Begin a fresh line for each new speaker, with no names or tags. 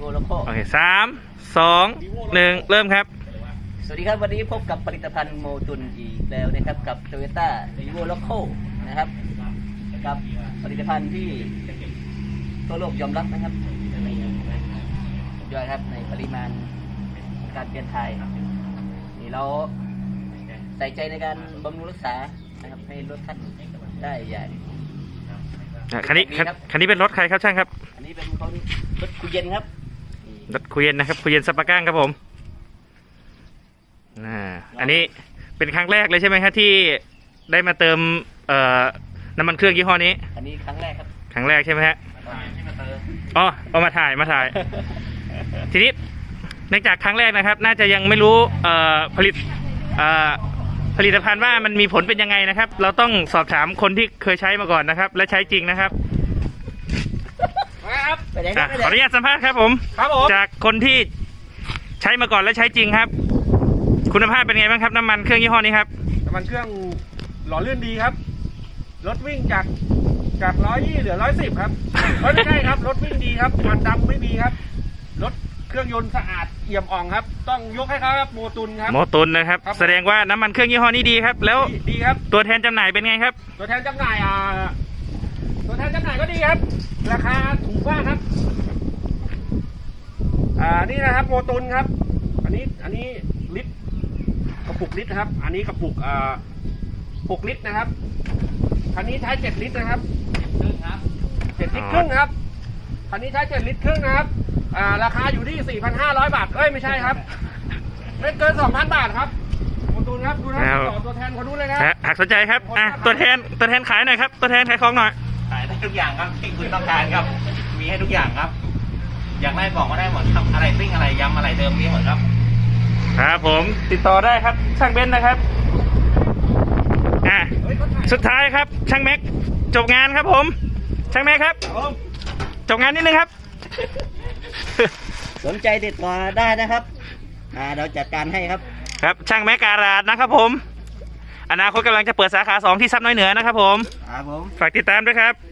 โวโลโก้
โอเค3 2 1เริ่มครับ
สวัสดีครับวันนี้พบกับผลิตภัณฑ์โมตุนอีกแล้วนะครับกับ Toyota Vivo Loco นะครับกับผลิตภัณฑ์ที่ทั่วโลกยอมรับนะครับสุดยอดครับในปริมาณการเปลี่ยนถ่ายนี่เราใส่ใจในการบำรุงรักษานะครับให้รถคันได้อย่าง
คันนี้เป็นรถใครครับช่างครับ
อันนี้เป็นรถคุยเย็นครับ
รถคุยเย็นนะครับคุยเย็นสปาก้างครับผมอันนี้เป็นครั้งแรกเลยใช่ไหมครับที่ได้มาเติมน้ำมันเครื่องยี่ห้อนี้
อันนี้ครั้งแรกครับ
ครั้งแรกใช่ไหมฮะอ๋อเอามาถ่ายทีนี้เนื่องจากครั้งแรกนะครับน่าจะยังไม่รู้ผลิตภัณฑ์ว่ามันมีผลเป็นยังไงนะครับเราต้องสอบถามคนที่เคยใช้มาก่อนนะครับและใช้จริงนะครับขออนุญาตสัมภาษณ์ครับผมจากคนที่ใช้มาก่อนและใช้จริงครับคุณภาพเป็นไงบ้างครับน้ำมันเครื่องยี่ห้อนี้ครับ
น้ำมันเครื่องหล่อลื่นดีครับรถวิ่งจาก120เหลือ110ครับไม่ใช่ครับรถวิ่งดีครับมันดำไม่มีครับรถเครื่องยนต์สะอาดเอี่ยมอ่องครับต้องยกให้เขาครับโมตุนครับ
โมตุนนะครับแสดงว่าน้ำมันเครื่องยี่ห้อนี้ดีครับแล้ว
ดีครับ
ตัวแทนจำหน่ายเป็นไงครับ
ตัวแทนจำหน่ายก็ดีครับราคาถูกมากครับนี่นะครับโมตุนครับอันนี้ลิตรกระปุกลิตรนะครับอันนี้กระปุก6 ลิตรนะครับคันนี้ใช้7 ลิตรนะครับ7 ลิตรครึ่งครับคันนี้ใช้7 ลิตรครึ่งนะครับราคาอยู่ที่ 4,500 บาทไม่ใช่ครับไม่เกิน 2,000 บาทครับโมตุนครับดูนะต่อตัวแทนเขาดูเลยครับ
หากสนใจครับตัวแทนขายหน่อยครับตัวแทนขายของหน่อย
ขายได้ทุกอย่างครับที่คุณต้องการครับมีให้ทุกอย่างครับอยากได้บอกก็ได้หมดครับอะไรซิ่งอะไรยำอะไรเดิมมีหมดครับ
ครับผมติดต่อได้ครับช่างเบนซ์นะครับสุดท้ายครับช่างแม็กจบงานครับผมช่างแม็กครับจบงานนิดนึงครับ
สนใจติดต่อได้นะครับเราจัดการให้ครับ
ครับช่างแม็กการาดนะครับผมอนาคตกำลังจะเปิดสาขา2ที่ซับน้อยเหนือนะครับผม
ครับผม
ฝากติดตามด้วยครับ